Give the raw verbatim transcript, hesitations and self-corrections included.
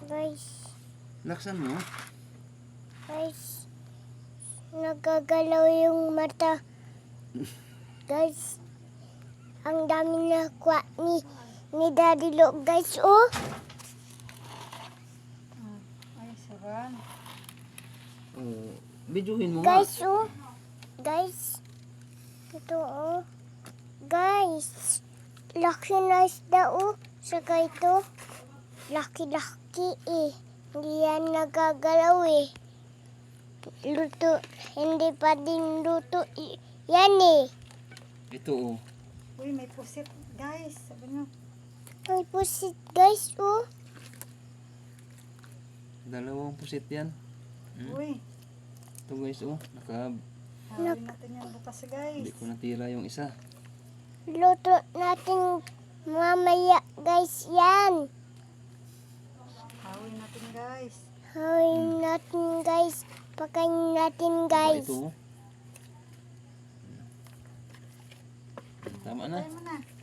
Guys, Laksan mo. guys. Nagagalaw yung mata. Guys, ang dami na kuha ni, ni Daddy Lo, guys, oh. Ay, sarang. Oh, bidyuhin mo nga. Guys, oh. Guys. Ito, oh. Guys. Laki na isda, oh. Saka ito. Laki-laki, eh. Hindi yan nagagalaw, eh. Luto. Hindi pa din luto. i- Yan, eh. Ito oh. Uy, may pusit, guys. Sabi nyo. May pusit, guys, oh. Dalawang pusit yan. Hmm? Uy, Ito guys oh. Naka, hawin natin yan bukas, guys. hindi ko natira yung isa. Luto natin mamaya, guys, yan. Hawin natin, guys. Hawin natin, guys. Pakain natin, Saka guys. ito oh. Tama na. Tayo mo na.